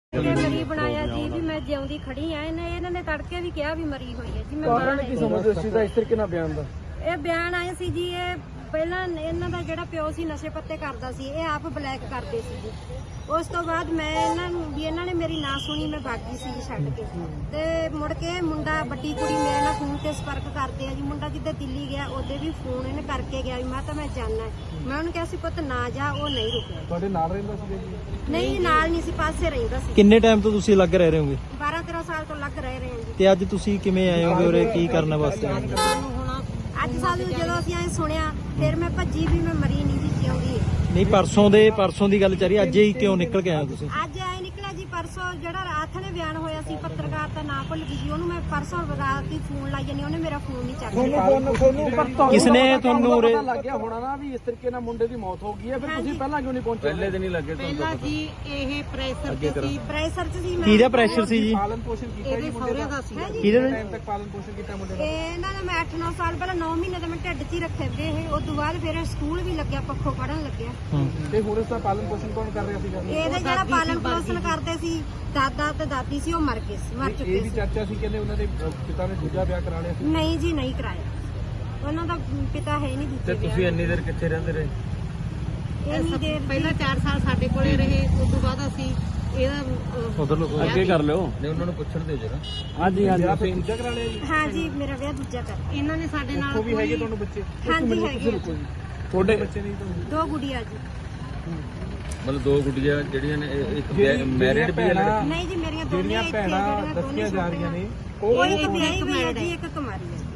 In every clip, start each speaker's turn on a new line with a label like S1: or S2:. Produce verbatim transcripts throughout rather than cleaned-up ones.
S1: ਮਰੀ ਬਣਾਇਆ ਜੀ ਵੀ ਮੈਂ ਜਿਉਂਦੀ ਖੜੀ ਆ। ਇਹਨੇ ਇਹਨਾਂ ਨੇ ਤੜਕੇ ਵੀ ਕਿਹਾ ਵੀ ਮਰੀ ਹੋਈ ਹੈ ਜੀ। ਮੈਂ
S2: ਕਾਰਨ ਕੀ ਸਮਝਦੇ ਸੀ ਦਾ ਇਸ ਤਰੀਕੇ ਨਾਲ ਬਿਆਨ ਦਾ?
S1: ਇਹ ਬਿਆਨ ਆਏ ਸੀ ਜੀ, ਇਹ ਪਹਿਲਾਂ ਇਹਨਾਂ ਦਾ ਜਿਹੜਾ ਪਿਓ ਸੀ ਨਸ਼ੇ ਪੱਤੇ ਕਰਦਾ ਸੀ, ਇਹ ਆਪ ਬਲੈਕ ਕਰਦੇ ਸੀ ਜੀ। ਉਸ ਤੋਂ ਬਾਅਦ ਮੈਂ ਇਹਨਾਂ ਨੂੰ ਵੀ ਇਹਨਾਂ ਨੇ ਮੇਰੀ ਨਾ ਸੁਣੀ, ਮੈਂ ਭਾਗੀ ਸੀ ਛੱਡ ਕੇ। ਤੇ ਮੁੜ ਕੇ ਮੁੰਡਾ ਵੱਡੀ ਕੁੜੀ ਮੇਰੇ ਨਾਲ ਫੋਨ ਤੇ ਸੰਪਰਕ ਕਰਦੇ ਆ ਜੀ। ਮੁੰਡਾ ਜਿੱਦੇ ਦਿੱਲੀ ਗਿਆ ਉਹਦੇ ਵੀ ਫੋਨ ਇਹਨੇ ਕਰਕੇ ਗਿਆ ਵੀ ਮੈਂ ਤਾਂ ਮੈਂ ਜਾਣਾ। ਮੈਂ ਉਹਨੂੰ ਕਿਹਾ ਸੀ ਪੁੱਤ ਨਾ ਜਾ, ਉਹ ਨਹੀਂ ਰੁਕਿਆ।
S2: ਤੁਹਾਡੇ ਨਾਲ ਰਹਿੰਦਾ ਸੀ ਜੀ?
S1: ਨਹੀਂ ਨਾਲ ਨਹੀਂ ਸੀ, ਪਾਸੇ ਰਹਿੰਦਾ ਸੀ।
S3: ਕਿੰਨੇ ਟਾਈਮ ਤੋਂ ਤੁਸੀਂ ਲੱਗ ਰਹੇ ਹੋਗੇ?
S1: ਬਾਰਾਂ ਤੇਰਾਂ ਸਾਲ ਤੋਂ ਲੱਗ ਰਹੇ ਰਹੇ ਹਾਂ ਜੀ।
S3: ਤੇ ਅੱਜ ਤੁਸੀਂ ਕਿਵੇਂ ਆਏ ਹੋਗੇ ਉਰੇ, ਕੀ ਕਰਨ ਵਾਸਤੇ ਆਏ ਹੋ?
S1: ਅੱਜ ਸਾਨੂੰ ਜਦੋਂ ਅਸੀਂ ਐ ਸੁਣਿਆ ਫਿਰ ਮੈਂ ਭੱਜੀ ਵੀ ਮੈਂ ਮਰੀ ਨਹੀਂ ਜੀ, ਜਿਉਂਦੀ ਹੈ।
S3: ਨਹੀਂ ਪਰਸੋਂ ਦੇ ਪਰਸੋਂ ਦੀ ਗੱਲ ਚੱਲ ਰਹੀ, ਅੱਜ ਹੀ ਕਿਉਂ ਨਿਕਲ ਕੇ ਆਏ ਹੋ ਤੁਸੀਂ?
S1: ਅੱਜ ਐ ਨਿਕਲਿਆ ਜੀ, ਪਰਸੋਂ ਜਿਹੜਾ ਰਾਤ ਨੇ ਬਿਆਨ ਹੋਇਆ ਸੀ, ਪੱਤਰਕਾਰ ਦਾ ਨਾਂ ਭੁੱਲ ਗਈ ਜੀ ਉਹਨੂੰ। ਮੈਂ ਪਰਸੋਂ ਰਾਤ ਹੀ ਫੋਨ ਲਾਈ ਜਾਨੀ, ਉਹਨੇ ਮੇਰਾ ਫੋਨ ਨਹੀਂ ਚੱਕਿਆ।
S3: ਕਿਸਨੇ ਤੁਹਾਨੂੰ ਉਰੇ
S2: ਲੱਗ ਗਿਆ ਹੋਣਾ ਨਾ ਵੀ ਇਸ ਤਰੀਕੇ ਨਾਲ ਮੁੰਡੇ ਦੀ ਮੌਤ ਹੋ ਗਈ ਹੈ, ਫਿਰ ਤੁਸੀਂ ਪਹਿਲਾਂ ਕਿਉਂ ਨਹੀਂ ਪਹੁੰਚੇ?
S4: ਪਹਿਲੇ ਦਿਨ ਹੀ ਲੱਗੇ
S1: ਪਹਿਲਾਂ ਜੀ ਇਹ ਪ੍ਰੈਸ਼ਰ ਤੇ ਸੀ, ਪ੍ਰੈਸ਼ਰ ਚ ਸੀ। ਮੈਂ
S3: ਕਿਹਦਾ ਪ੍ਰੈਸ਼ਰ ਸੀ ਜੀ?
S2: ਪਾਲਣ ਪੋਸ਼ਣ ਕੀਤਾ ਜੀ ਮੁੰਡੇ ਦਾ?
S3: ਕਿਹਦੇ
S2: ਟਾਈਮ ਤੱਕ ਪਾਲਣ ਪੋਸ਼ਣ ਕੀਤਾ ਮੁੰਡੇ ਦਾ?
S1: ਇਹਨਾਂ ਦਾ ਮੈਂ ਅੱਠ ਨੌ ਸਾਲ ਪਹਿਲਾਂ ਨੌ ਮਹੀਨੇ ਦਾ ਮੈਂ ਢਿੱਡ 'ਚ ਹੀ ਰੱਖੇ ਵੇ ਇਹ। ਉਸ ਤੋਂ ਬਾਅਦ ਫਿਰ ਸਕੂਲ ਵੀ ਲੱਗਿਆ, ਪੱਖੋਂ ਪੜਨ ਲੱਗਿਆ।
S2: ਤੇ ਹੁਣ ਇਸ ਦਾ ਪਾਲਣ ਪੋਸ਼ਣ ਕੌਣ ਕਰ ਰਿਹਾ ਸੀਗਾ?
S1: ਇਹਦੇ ਜਿਹੜਾ ਪਾਲਣ ਪੋਸ਼ਣ ਕਰਦੇ ਸੀ ਦਾਦਾ ਤੇ ਦਾਦੀ ਸੀ, ਉਹ ਮਰ ਗਏ ਸੀ, ਮਰ ਚੁੱਕੇ
S2: ਇਹ ਵੀ
S1: ਸੀ।
S2: ਚਰਚਾ ਸੀ ਕਹਿੰਦੇ ਉਹਨਾਂ ਦੇ ਪਿਤਾ ਨੇ ਦੂਜਾ ਵਿਆਹ ਕਰਾ ਲਿਆ ਸੀ।
S1: ਨਹੀਂ ਜੀ ਨਹੀਂ ਕਰਾਇਆ, ਉਹਨਾਂ ਦਾ ਪਿਤਾ ਹੈ ਨਹੀਂ
S4: ਤੇ
S1: ਦੂਜੇ।
S4: ਤੁਸੀਂ ਇੰਨੀ ਦੇਰ ਕਿੱਥੇ ਰਹਿੰਦੇ ਰਹੇ?
S1: ਇੰਨੀ ਦੇਰ
S5: ਪਹਿਲਾਂ ਚਾਰ ਸਾਲ ਸਾਡੇ ਕੋਲੇ ਰਹੇ, ਉਸ ਤੋਂ ਬਾਅਦ ਅਸੀਂ ਇਹਦਾ
S3: ਉਧਰ ਲੋਕ
S4: ਅੱਗੇ ਕਰ ਲਿਓ, ਨਹੀਂ ਉਹਨਾਂ ਨੂੰ ਪੁੱਛਣ ਦਿਓ ਜਰਾ।
S2: ਹਾਂਜੀ ਹਾਂਜੀ ਆਪੇ ਦੂਜਾ ਕਰਾ ਲਿਆ ਜੀ?
S1: ਹਾਂ ਜੀ, ਮੇਰਾ ਵਿਆਹ ਦੂਜਾ ਕਰ।
S5: ਇਹਨਾਂ ਨੇ ਸਾਡੇ ਨਾਲ
S2: ਉਹ ਵੀ ਹੈਗੇ ਤੁਹਾਨੂੰ ਬੱਚੇ?
S1: ਹਾਂਜੀ ਹੈਗੇ ਆ।
S2: ਤੁਹਾਡੇ ਬੱਚੇ ਨਹੀਂ ਤੁਹਾਨੂੰ?
S1: ਦੋ ਗੁੜੀਆਂ ਜੀ।
S4: ਮਤਲਬ ਦੋ ਗੁੱਡੀਆਂ ਜਿਹੜੀਆਂ ਨੇ, ਇਹ ਇੱਕ ਮੈਰਿਡ ਵੀ ਹੈ ਲੜਕੀ?
S1: ਨਹੀਂ ਜੀ ਮੇਰੀਆਂ ਦੋਨੇ
S2: ਜਿਹੜੀਆਂ
S1: ਇੱਥੇ
S2: ਭੈਣਾਂ
S1: ਜਿਹੜੀਆਂ
S2: ਦੱਸੀਆਂ
S1: ਦੋਨੇ
S2: ਜਾ ਰਹੀਆਂ ਨੇ
S1: ਉਹ ਇੱਕ ਵਿਆਹੀ ਹੋਈ ਹੈ ਜੀ, ਇੱਕ ਕੁਮਾਰੀ ਹੈ।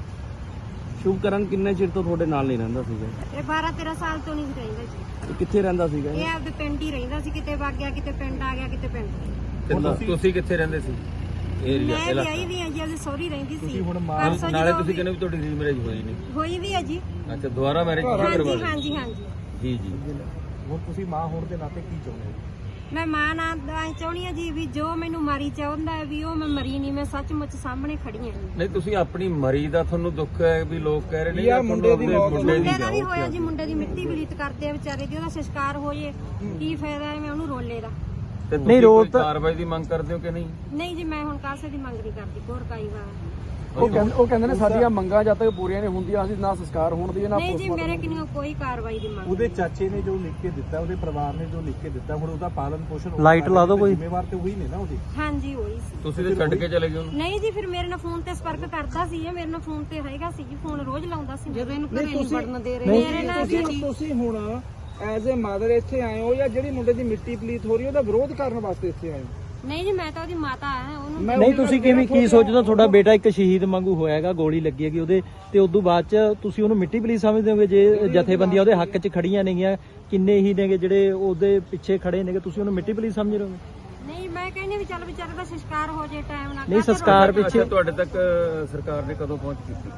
S6: ਸ਼ੁਭਕਰਨ ਕਿੰਨੇ ਚਿਰ ਤੋਂ ਤੁਹਾਡੇ ਨਾਲ ਨਹੀਂ ਰਹਿੰਦਾ ਸੀਗਾ?
S1: ਇਹ ਬਾਰਾਂ ਤੇਰਾਂ ਸਾਲ ਤੋਂ ਨਹੀਂ ਸੀ ਰਹਿੰਦਾ ਜੀ।
S6: ਤੇ ਕਿੱਥੇ ਰਹਿੰਦਾ ਸੀਗਾ?
S1: ਇਹ ਆਪਦੇ ਪਿੰਡ ਹੀ ਰਹਿੰਦਾ ਸੀ, ਕਿਤੇ ਵਗ ਗਿਆ, ਕਿਤੇ ਪਿੰਡ ਆ ਗਿਆ, ਕਿਤੇ ਪਿੰਡ।
S4: ਤੇ ਤੁਸੀਂ- ਤੁਸੀਂ ਕਿੱਥੇ ਰਹਿੰਦੇ ਸੀ? ਏਰੀਆ
S1: ਮੈਂ ਵਿਆਹੀ ਵੀ ਹਾਂ ਜੀ, ਉਹਦੀ ਸਹੁਰੀ ਰਹਿੰਦੀ ਸੀ। ਪਰਸੋਂ
S4: ਨਾਲੇ
S1: ਜਦੋਂ
S4: ਤੁਸੀਂ ਕਹਿੰਦੇ ਵੀ ਤੁਹਾਡੀ ਰੀਮੈਰਿਜ ਹੋਈ ਨਹੀਂ?
S1: ਹੋਈ ਵੀ ਹੈ ਜੀ।
S4: ਅੱਛਾ, ਦੁਬਾਰਾ ਮੈਰਿਜ ਕਰਵਾ
S1: ਹਾਂਜੀ
S4: ਲਈ?
S1: ਹਾਂਜੀ ਹਾਂਜੀ।
S4: ਜੀ ਜੀ।
S2: ਹੁਣ ਤੁਸੀਂ ਮਾਂ ਹੋਣ ਦੇ ਨਾਤੇ ਕੀ ਚਾਹੁੰਦੇ ਹੋ?
S1: ਮੈਂ ਮਾਂ ਨਾਲ ਐਂ ਚਾਹੁੰਦੀ ਹਾਂ ਜੀ ਵੀ ਜੋ ਮੈਨੂੰ ਮਾਰੀ ਚਾਹੁੰਦਾ ਹੈ ਵੀ ਉਹ ਮੈਂ ਮਰੀ ਨਹੀਂ, ਮੈਂ ਸੱਚਮੁੱਚ ਸਾਹਮਣੇ ਖੜੀ ਹਾਂ ਜੀ।
S4: ਨਹੀਂ ਤੁਸੀਂ ਆਪਣੀ ਮਰੀ ਦਾ ਤੁਹਾਨੂੰ ਦੁੱਖ ਹੈ ਵੀ ਲੋਕ ਕਹਿ ਰਹੇ ਨੇ
S2: ਯਾਰ ਮੁੰਡੇ ਦੀ ਮੌਤ-
S4: ਮੁੰਡੇ ਦੀ
S1: ਮੁੰਡੇ ਦਾ ਵੀ
S4: ਜਾਓ।
S1: ਹੋਇਆ ਜੀ, ਮੁੰਡੇ ਦੀ ਮਿੱਟੀ ਬਲੀਤ ਕਰਦੇ ਆ ਵਿਚਾਰੇ ਦੀ, ਉਹਦਾ ਸੰਸਕਾਰ ਹੋ ਜੇ ਕੀ ਫਾਇਦਾ ਹੈ ਮੈਂ ਉਹਨੂੰ ਰੋਲੇ ਦਾ।
S4: ਤੇ
S3: ਨਹੀਂ,
S4: ਤੁਸੀਂ
S3: ਰੋਲ
S4: ਕੋਈ
S3: ਤਾਂ-
S4: ਕਾਰਵਾਈ ਦੀ ਮੰਗ ਕਰਦੇ ਹੋ ਕਿ ਨਹੀਂ?
S1: ਨਹੀਂ ਜੀ ਮੈਂ ਹੁਣ ਕਾਸੇ ਦੀ ਮੰਗ ਨਹੀਂ ਕਰਦੀ, ਹੋਰ ਕਾਈ ਵਾਰ।
S2: ਉਹ ਕਹਿੰਦੇ ਉਹ ਕਹਿੰਦੇ ਨੇ ਸਾਡੀਆਂ ਮੰਗਾਂ ਜਦ ਤੱਕ ਪੂਰੀਆਂ ਨਹੀਂ ਹੁੰਦੀਆਂ ਅਸੀਂ ਨਾ ਸੰਸਕਾਰ ਹੋਣ ਦੀ ਨਾ
S1: ਨਹੀਂ ਜੀ ਮੇਰੇ ਕਿੰਨੀ ਕੋਈ ਕਾਰਵਾਈ ਦੀ ਮੰਗ।
S2: ਉਹਦੇ ਚਾਚੇ ਨੇ ਜੋ ਲਿਖ ਕੇ ਦਿੱਤਾ, ਉਹਦੇ ਪਰਿਵਾਰ ਨੇ ਜੋ ਲਿਖ ਕੇ ਦਿੱਤਾ, ਹੁਣ ਉਹਦਾ ਪਾਲਣ ਪੋਸ਼ਣ
S3: ਲਾਈਟ ਲਾ ਦਿਓ ਕੋਈ।
S2: ਜ਼ਿੰਮੇਵਾਰ ਤੇ ਉਹੀ ਨੇ ਨਾ ਉਹਦੀ।
S1: ਹਾਂਜੀ ਹੋਈ ਸੀ।
S4: ਤੁਸੀਂ ਤੇ ਛੱਡ ਕੇ ਚਲੇ ਗਏ ਉਹਨੂੰ?
S1: ਨਹੀਂ ਜੀ ਫਿਰ ਮੇਰੇ ਨਾਲ ਫੋਨ ਤੇ ਸੰਪਰਕ ਕਰਦਾ ਸੀ, ਇਹ ਮੇਰੇ ਨਾਲ ਫੋਨ ਤੇ ਹੈਗਾ ਸੀ ਜੀ, ਫੋਨ ਰੋਜ਼ ਲਾਉਂਦਾ ਸੀ।
S5: ਜਦੋਂ ਇਹਨੂੰ ਘਰੇ ਨਹੀਂ ਵੜਨ ਦੇ ਰਹੇ
S1: ਮੇਰੇ ਨਾਲ ਜੀ
S2: ਤੁਸੀਂ ਹੁਣ ਐਜ਼ ਅ ਮਦਰ ਇੱਥੇ ਆਏ ਹੋ ਜਾਂ ਜਿਹੜੀ ਮੁੰਡੇ ਦੀ ਮਿੱਟੀ ਪਲੀਤ ਹੋ ਰਹੀ ਉਹਦਾ ਵਿਰੋਧ ਕਰਨ ਵਾਸਤੇ ਇੱਥੇ ਆਏ ਹੋ?
S1: ਨਹੀਂ ਜੀ ਮੈਂ ਤਾਂ ਉਹਦੀ ਮਾਤਾ ਆ, ਉਹਨੂੰ
S3: ਨਹੀਂ ਤੁਸੀਂ ਕਿਵੇਂ ਕੀ ਸੋਚਦੇ? ਤੁਹਾਡਾ ਬੇਟਾ ਇੱਕ ਸ਼ਹੀਦ ਵਾਂਗੂ ਹੋਇਆਗਾ, ਗੋਲੀ ਲੱਗੀ ਹੈਗੀ ਉਹਦੇ, ਤੇ ਉਦੋਂ ਬਾਅਦ ਚ ਤੁਸੀਂ ਉਹਨੂੰ ਮਿੱਟੀ ਪਲੀਤ ਸਮਝਦੇ ਹੋਗੇ? ਜੇ ਜਥੇਬੰਦੀਆਂ ਉਹਦੇ ਹੱਕ ਚ ਖੜੀਆਂ ਨੇਗੀਆਂ, ਕਿੰਨੇ ਹੀ ਨੇਗੇ ਜਿਹੜੇ ਉਹਦੇ ਪਿੱਛੇ ਖੜੇ ਨੇਗੇ, ਤੁਸੀਂ ਉਹਨੂੰ ਮਿੱਟੀ ਪਲੀਤ ਸਮਝ ਰਹੇ ਹੋ?
S1: ਨਹੀਂ ਮੈਂ ਕਹਿੰਦੀ ਵੀ ਚੱਲ ਵਿਚਾਰੇ ਦਾ ਸੰਸਕਾਰ ਹੋ ਜੇ ਟਾਈਮ ਨਾਲ।
S3: ਨਹੀਂ ਸੰਸਕਾਰ ਪਿੱਛੇ
S4: ਅੱਛਾ, ਤੁਹਾਡੇ ਤੱਕ ਸਰਕਾਰ ਨੇ ਕਦੋਂ ਪਹੁੰਚ ਕੀਤੀ?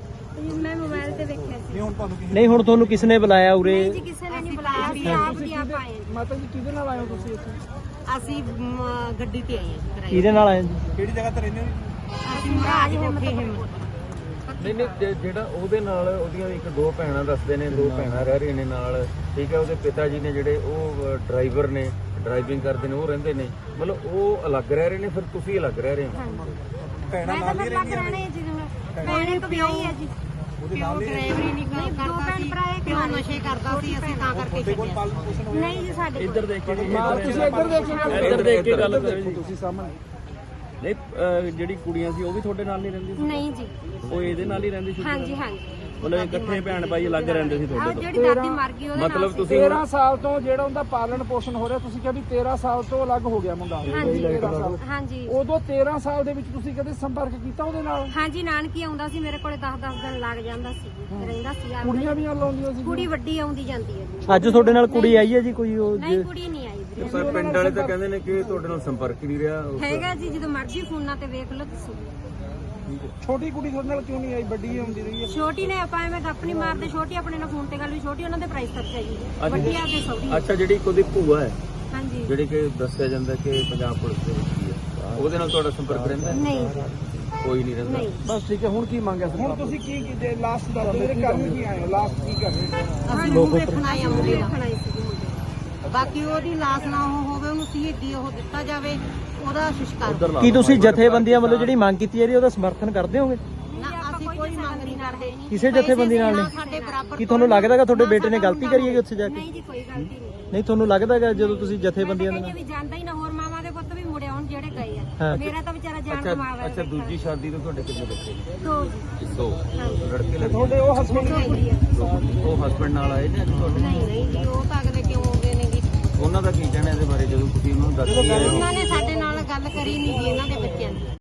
S1: ਮੈਂ ਮੋਬਾਈਲ ਤੇ ਵੇਖਿਆ ਸੀ।
S2: ਹੁਣ ਤੁਹਾਨੂੰ ਕੀ
S3: ਨਹੀਂ ਹੁਣ ਤੁਹਾਨੂੰ ਕਿਸਨੇ ਬੁਲਾਇਆ ਉਰੇ?
S1: ਨਹੀਂ ਜੀ ਕਿਸੇ ਨੇ ਨਹੀਂ ਬੁਲਾਇਆ, ਅਸੀਂ ਆਪ ਦੀ ਆਪ ਆਏ ਹਾਂ।
S2: ਮਾਤਾ ਜੀ ਕਿਹਦੇ ਨਾਲ ਆਏ ਹੋ ਤੁਸੀਂ ਇੱਥੇ?
S5: ਅਸੀਂ ਮ, ਗੱਡੀ ਤੇ ਆਏ ਹਾਂ ਕਿਰਾਏ
S3: ਕਿਹਦੇ ਨਾਲ ਆਏ ਜੀ?
S2: ਕਿਹੜੀ ਜਗ੍ਹਾ ਤੇ ਰਹਿੰਦੇ ਹੋ?
S5: ਅਸੀਂ ਮਹਾਰਾਜ ਕੋਠੇ ਹਿੰਮਤ।
S4: ਨਹੀਂ ਨਹੀਂ ਜੇ- ਜਿਹੜਾ ਉਹਦੇ ਨਾਲ ਉਹਦੀਆਂ ਇੱਕ ਦੋ ਭੈਣਾਂ ਦੱਸਦੇ ਨੇ, ਦੋ ਭੈਣਾਂ ਰਹਿ ਰਹੀਆਂ ਨੇ ਨਾਲ, ਠੀਕ ਹੈ। ਉਹਦੇ ਪਿਤਾ ਜੀ ਨੇ ਜਿਹੜੇ ਉਹ ਡਰਾਈਵਰ ਨੇ, ਡਰਾਈਵਿੰਗ ਕਰਦੇ ਨੇ, ਉਹ ਰਹਿੰਦੇ ਨੇ, ਮਤਲਬ ਉਹ ਅਲੱਗ ਰਹਿ ਰਹੇ ਨੇ, ਫਿਰ ਤੁਸੀਂ ਅਲੱਗ ਰਹਿ ਰਹੇ ਹੋ?
S2: ਭੈਣਾਂ
S1: ਮੈਂ ਤਾਂ ਫਿਰ ਲੱਗ ਰਹਿਣੇ ਜੀ, ਭੈਣ ਇੱਕ ਵਿਆਹੀ ਹੈ ਜੀ।
S5: ਪਿਓ ਡਰਾਈਵਰੀ ਨਹੀਂ
S1: ਨਹੀਂ, ਦੋ
S5: ਕਰਦਾ
S1: ਭੈਣ
S5: ਸੀ,
S1: ਭਰਾ ਇੱਕ
S5: ਪਿਓ
S1: ਨਾਲ
S5: ਨਸ਼ੇ ਕਰਦਾ ਸੀ, ਅਸੀਂ ਤਾਂ ਕਰਕੇ ਛੱਡਿਆ।
S2: ਪਾਲਣ ਪੋਸ਼ਣ ਹੋਇਆ?
S1: ਨਹੀਂ ਜੀ ਸਾਡੇ
S6: ਇੱਧਰ ਦੇਖ ਕੇ
S2: ਤੁਸੀਂ ਇੱਧਰ ਦੇਖੋ
S6: ਇੱਧਰ ਦੇਖ ਕੇ ਗੱਲ ਕਰੋ ਜੀ।
S2: ਤੁਸੀਂ ਸਾਹਮਣੇ
S6: ਨਹੀਂ ਅਹ ਜਿਹੜੀ ਕੁੜੀਆਂ ਸੀ ਉਹ ਵੀ ਤੁਹਾਡੇ ਨਾਲ ਨਹੀਂ ਰਹਿੰਦੀ ਸੀ?
S1: ਨਹੀਂ ਜੀ।
S6: ਉਹ ਇਹਦੇ ਨਾਲ ਹੀ ਰਹਿੰਦੀ ਸੀ?
S1: ਹਾਂਜੀ ਹਾਂਜੀ।
S6: ਮਤਲਬ ਇਕੱਠੇ ਭੈਣ ਭਾਈ ਅਲੱਗ ਰਹਿੰਦੇ ਸੀ
S1: ਆਹ
S6: ਤੁਹਾਡੇ ਤੋਂ?
S1: ਜਿਹੜੀ ਦਾਦੀ ਮਰ ਗਈ ਉਹਦੇ ਨਾਲ
S4: ਮਤਲਬ
S1: ਸੀ।
S4: ਤੁਸੀਂ
S2: ਤੇਰਾਂ ਸਾਲ ਤੋਂ ਜਿਹੜਾ ਉਹਦਾ ਪਾਲਣ ਪੋਸ਼ਣ ਹੋ ਰਿਹਾ, ਤੁਸੀਂ ਕਿਹਾ ਵੀ ਤੇਰਾਂ ਸਾਲ ਤੋਂ ਅਲੱਗ ਹੋ ਗਿਆ ਮੁੰਡਾ।
S1: ਹਾਂਜੀ
S2: ਤੇਰਾਂ ਸਾਲ।
S1: ਹਾਂਜੀ
S2: ਉਦੋਂ ਤੇਰਾਂ ਸਾਲ ਦੇ ਵਿੱਚ ਤੁਸੀਂ ਕਦੇ ਸੰਪਰਕ ਕੀਤਾ ਉਹਦੇ ਨਾਲ?
S1: ਹਾਂਜੀ ਨਾਨਕੀ ਆਉਂਦਾ ਸੀ ਮੇਰੇ ਕੋਲੇ, ਦਸ ਦਸ ਦਿਨ ਲੱਗ ਜਾਂਦਾ ਸੀ ਜੀ, ਰਹਿੰਦਾ ਸੀ ਆਪ।
S2: ਕੁੜੀਆਂ ਵੀ ਲਾਉਂਦੀਆਂ ਸੀ?
S1: ਕੁੜੀ ਵੱਡੀ ਆਉਂਦੀ ਜਾਂਦੀ ਹੈ ਜੀ।
S3: ਅੱਜ ਤੁਹਾਡੇ ਨਾਲ ਕੁੜੀ ਆਈ ਹੈ ਜੀ ਕੋਈ? ਉਹ
S1: ਨਹੀਂ ਕੁੜੀ ਨਹੀਂ ਆਈ ਵੀਰੇ।
S4: ਪਰ ਪਿੰਡ ਵਾਲੇ ਤਾਂ ਕਹਿੰਦੇ ਨੇ ਕਿ ਤੁਹਾਡੇ ਨਾਲ ਸੰਪਰਕ ਹੀ ਨਹੀਂ ਰਿਹਾ।
S1: ਹੈਗਾ ਜੀ, ਜਦੋਂ ਮਰਜ਼ੀ ਫੋਨਾਂ ਤੇ ਵੇਖ ਲਓ ਤੁਸੀਂ।
S2: ਛੋਟੀ ਕੁੜੀ ਤੁਹਾਡੇ ਨਾਲ ਕਿਉਂ ਨਹੀਂ ਆਈ? ਵੱਡੀ ਆਉਂਦੀ ਰਹੀ ਹੈ।
S1: ਛੋਟੀ ਨੇ ਆਪਾਂ ਐਵੇਂ ਗੱਪ ਨਹੀਂ ਮਾਰਦੇ, ਛੋਟੀ ਆਪਣੇ ਨਾਲ ਫੋਨ ਤੇ ਗੱਲ ਵੀ, ਛੋਟੀ ਉਹਨਾਂ ਦੇ ਪ੍ਰਾਈਸ ਖਰਚਾ ਜੀ, ਵੱਡੀ ਆ ਕੇ ਸੌਦੀ।
S4: ਅੱਛਾ, ਜਿਹੜੀ ਉਹਦੀ ਭੂਆ ਹੈ,
S1: ਹਾਂਜੀ
S4: ਜਿਹੜੀ ਕਿ ਦੱਸਿਆ ਜਾਂਦਾ ਕਿ ਪੰਜਾਬ ਪੁਲਿਸ ਦੇ ਵਿੱਚ ਹੀ ਹੈ, ਉਹਦੇ ਨਾਲ ਤੁਹਾਡਾ ਸੰਪਰਕ ਰਹਿੰਦਾ?
S1: ਨਹੀਂ
S4: ਕੋਈ ਨਹੀਂ ਰਹਿੰਦਾ।
S1: ਨਹੀਂ।
S2: ਬਸ ਠੀਕ ਹੈ। ਹੁਣ ਕੀ ਮੰਗਿਆ ਸਰ? ਹੁਣ ਤੁਸੀਂ ਕੀ ਕੀ ਲਾਸਟ ਦੱਸ ਦਿਓ, ਜਿਹੜੇ ਕਰਨ ਕੀ ਆਏ ਹੋ? ਲਾਸਟ ਕੀ ਕਰ ਰਹੇ ਹੋ?
S5: ਅਸੀਂ ਨੂੰ ਵੇਖਣ ਆਏ ਆ ਮੁੰਡੇ ਦਾ।
S1: ਦੇਖਣ ਆਈ ਸੀ ਜੀ ਮੁੰਡੇ ਨੂੰ।
S5: ਬਾਕੀ ਉਹਦੀ ਲਾਸ਼ ਨਾ ਉਹ ਹੋਵੇ, ਉਹਨੂੰ ਸ਼ਹੀਦੀ ਉਹ ਦਿੱਤਾ ਜਾਵੇ, ਉਹਦਾ ਸੰਸਕਾਰ
S6: ਉਧਰ ਲਾ
S3: ਕੀ ਤੁਸੀਂ ਜਥੇਬੰਦੀਆਂ ਵੱਲੋਂ ਜਿਹੜੀ ਮੰਗ ਕੀਤੀ ਜਾ ਰਹੀ ਹੈ ਉਹਦਾ ਸਮਰਥਨ ਕਰਦੇ ਹੋਗੇ?
S5: ਨਾ ਅਸੀਂ ਕੋਈ ਮੰਗ ਨਹੀਂ ਕਰਦੇ
S3: ਕਿਸੇ ਜਥੇਬੰਦੀ ਨਾਲ
S5: ਨਾ
S3: ਨਹੀਂ?
S5: ਸਾਡੇ ਬਰਾਬਰ
S3: ਕੀ ਤੁਹਾਨੂੰ ਲੱਗਦਾ ਕਿ ਤੁਹਾਡੇ ਬੇਟੇ ਨੇ ਗਲਤੀ ਕਰੀ ਹੈਗੀ ਉੱਥੇ ਜਾ ਕੇ?
S1: ਨਹੀਂ ਜੀ ਕੋਈ ਗਲਤੀ ਨਹੀਂ।
S3: ਨਹੀਂ ਤੁਹਾਨੂੰ ਲੱਗਦਾ ਕਿ ਜਦੋਂ ਤੁਸੀਂ ਜਥੇਬੰਦੀਆਂ ਦੇ
S1: ਕਹਿੰਦੇ
S3: ਨਾਲ
S1: ਵੀ ਜਾਂਦਾ ਹੀ ਨਾ, ਹੋਰ ਮਾਵਾਂ ਦੇ ਪੁੱਤ ਵੀ ਮੁੜੇ ਆਉਣ ਜਿਹੜੇ ਗਏ
S3: ਹਾਂ।
S1: ਆ। ਮੇਰਾ ਤਾਂ ਵਿਚਾਰਾ ਜਾਨ
S4: ਅੱਛਾ
S1: ਕਮਾਵਾ
S4: ਅੱਛਾ ਦੂਜੀ ਸ਼ਾਦੀ ਤੋਂ ਤੁਹਾਡੇ ਕਿੰਨੇ ਬੱਚੇ ਨੇ?
S1: ਦੋ ਜੀ।
S4: ਦੋ ਲੜਕੇ ਲੜਕੀ
S2: ਤੁਹਾਡੇ ਉਹ ਹਸਬੰਦ
S1: ਦੋ ਕੁੜੀਆਂ।
S4: ਉਹ ਹਸਬੰਡ ਨਾਲ ਆਏ ਨੇ ਅੱਜ ਤੁਹਾਡੇ?
S5: ਨਹੀਂ ਨਹੀਂ ਜੀ, ਉਹ ਤਾਂ ਅਗਲੇ ਕਿਉਂ ਹੋ ਗਏ ਨੇ ਜੀ।
S4: ਉਹਨਾਂ ਦਾ ਕੀ ਕਹਿਣਾ ਇਹਦੇ ਬਾਰੇ ਜਦੋਂ ਤੁਸੀਂ ਉਹਨਾਂ ਨੂੰ ਦੱਸ ਕੇ ਆਏ ਹੋ?
S5: ਉਹਨਾਂ ਨੇ ਸਾਡੇ ਨਾਲ ਗੱਲ ਕਰੀ ਨਹੀਂ ਜੀ ਇਹਨਾਂ ਦੇ ਬੱਚਿਆਂ ਦੀ।